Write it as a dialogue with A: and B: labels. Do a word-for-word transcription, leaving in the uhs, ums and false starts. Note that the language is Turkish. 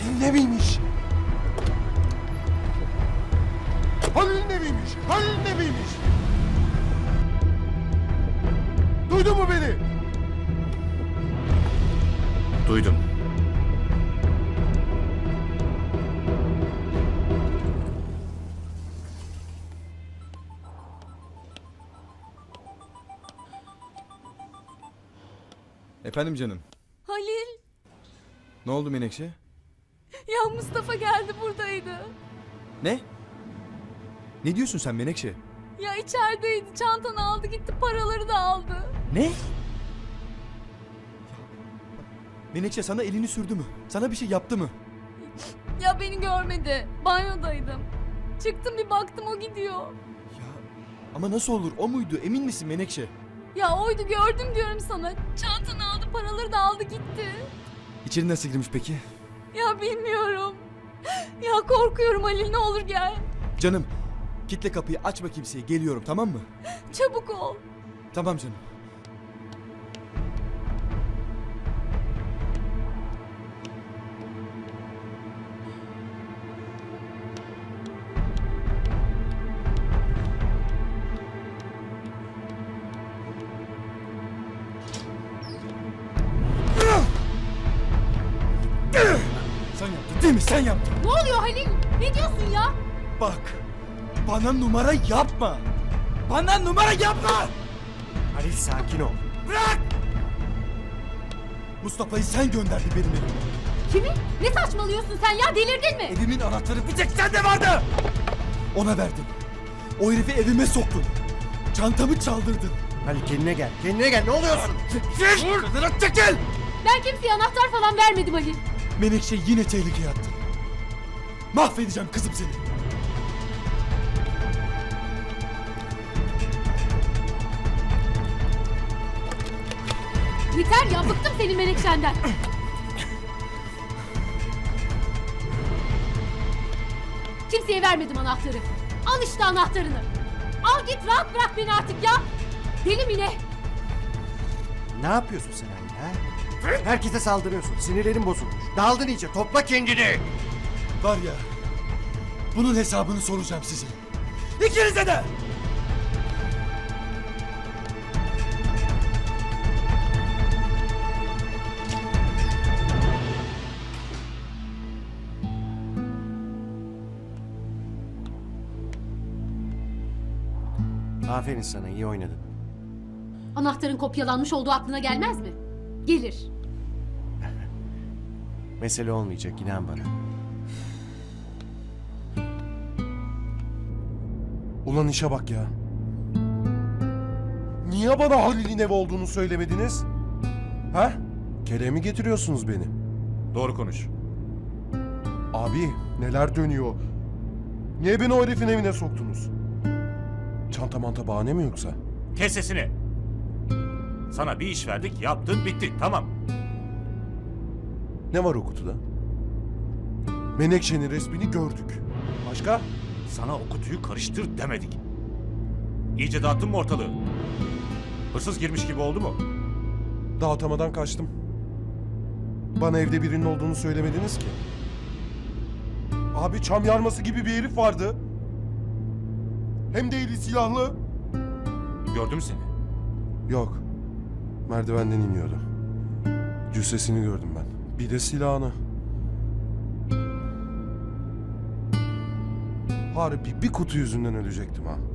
A: Halil'in eviymiş. Halil'in eviymiş. Halil'in eviymiş. Duydun mu beni?
B: Duydum.
C: Efendim canım.
D: Halil,
C: Ne oldu Menekşe?
D: ya Mustafa geldi buradaydı.
C: Ne? Ne diyorsun sen Menekşe?
D: Ya içerideydi, çantanı aldı gitti, paraları da aldı.
C: Ne? Menekşe sana elini sürdü mü? Sana bir şey yaptı mı?
D: Ya beni görmedi, banyodaydım. Çıktım bir baktım o gidiyor.
C: Ya ama nasıl olur? O muydu? Emin misin Menekşe?
D: Ya oydu, gördüm diyorum sana. Çantanı aldı, paraları da aldı gitti.
C: İçeri nasıl girmiş peki?
D: Ya bilmiyorum. Ya korkuyorum Halil, ne olur gel.
C: Canım, kitle kapıyı, açma kimseye, geliyorum, tamam mı?
D: Çabuk ol.
C: Tamam canım. Sen yaptın değil mi? Sen yaptın.
D: Ne oluyor Halil? Ne diyorsun ya?
C: Bak, bana numara yapma. Bana numara yapma!
A: Halil sakin ol.
C: Bırak! Mustafa'yı sen gönderdin benim evime.
D: Kimi? Ne saçmalıyorsun sen ya, delirdin mi?
C: Evimin anahtarı bir tek sende vardı. Ona verdin. O herifi evime soktun. Çantamı çaldırdın.
A: Halil kendine gel. Kendine gel. Ne oluyorsun?
C: Çekil! Dur! Çekil!
D: Ben kimseye anahtar falan vermedim Halil.
C: Menekşe yine tehlikeye attı. Mahvedeceğim kızım seni.
D: Yeter ya, bıktım senin Menekşe'nden. Kimseye vermedim anahtarı. Al işte anahtarını. Al git, rahat bırak beni artık ya. Deli mi ne?
A: Ne yapıyorsun sen Halil ha? Herkese saldırıyorsun. Sinirlerin bozulmuş. Daldın iyice. Topla kendini.
C: Var ya, bunun hesabını soracağım size. İkinize de!
A: Aferin sana. İyi oynadın.
D: Anahtarın kopyalanmış olduğu aklına gelmez mi? Gelir.
A: Mesele olmayacak. İnan bana.
E: Ulan işe bak ya. Niye bana Halil'in evi olduğunu söylemediniz? Ha? Keleğe mi getiriyorsunuz beni?
B: Doğru konuş.
E: Abi neler dönüyor? Niye beni o herifin evine soktunuz? Çanta manta bahane mi yoksa?
B: Kes sesini. Sana bir iş verdik, yaptın, bitti. Tamam.
E: Ne var o kutuda? Menekşe'nin resmini gördük. Başka?
B: Sana o kutuyu karıştır demedik. İyice dağıttın mı ortalığı? Hırsız girmiş gibi oldu mu?
E: Dağıtamadan kaçtım. Bana evde birinin olduğunu söylemediniz ki. Abi çam yarması gibi bir herif vardı. Hem de eli silahlı.
B: Gördüm seni.
E: Yok. Merdivenden iniyordu. Cüssesini gördüm ben. Bir de silahını. Harbi bir kutu yüzünden ölecektim ha.